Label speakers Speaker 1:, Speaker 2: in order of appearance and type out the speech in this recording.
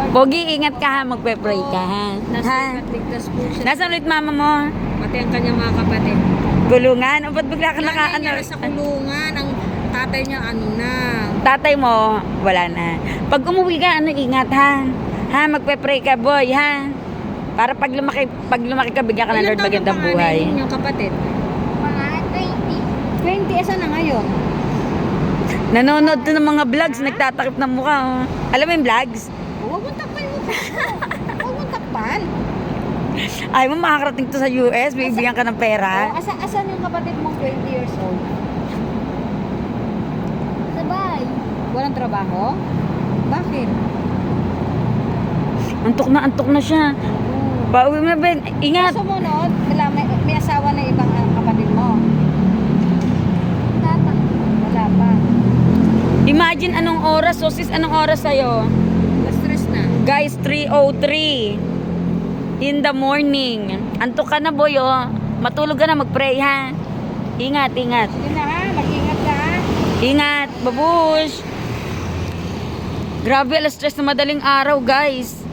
Speaker 1: Pogi, ingat ka ha, magpe-pray ka ha.
Speaker 2: Nasa ligtas po siya.
Speaker 1: Nasaan ulit mama mo?
Speaker 2: Pati ang kanyang mga kapatid.
Speaker 1: Gulungan? O ba't bigla ka
Speaker 2: Nanay
Speaker 1: nakaano?
Speaker 2: niya sa kulungan. Ang tatay niya ano na.
Speaker 1: Tatay mo, wala na. Pag umuwi ka, ingat ha. Ha, magpe-pray ka boy ha. Para pag lumaki ka, bigyan ka ng Lord magandang buhay.
Speaker 2: Ilan yung kapatid?
Speaker 3: Mga 20.
Speaker 2: 20, asa na ngayon?
Speaker 1: Nanonood to ng mga vlogs, nagtatakip ng mukha. Oh. Alam mo yung vlogs?
Speaker 2: Huwag mong takpan mo. Huwag mong takpan.
Speaker 1: Ay mo makakarating to sa US, bibigyan ka ng pera.
Speaker 2: Asan yung kapatid mong 20 years old?
Speaker 3: Sabay.
Speaker 2: Walang trabaho? Bakit?
Speaker 1: Antok na siya. Pauwi mo na, Ben. Ingat.
Speaker 2: Sumunod, may asawa na ibang kapatid mo.
Speaker 3: Tapa.
Speaker 2: Wala pa.
Speaker 1: Imagine anong oras, so sis, anong oras sa'yo?
Speaker 2: Na-stress na.
Speaker 1: Guys, 3:03 in the morning. Antok ka na, boy, oh. Matulog ka na, mag-pray, ha? Ingat.
Speaker 2: Sige na ha, mag-ingat ka ha.
Speaker 1: Ingat, babush. Grabe, alas stress na madaling araw, guys.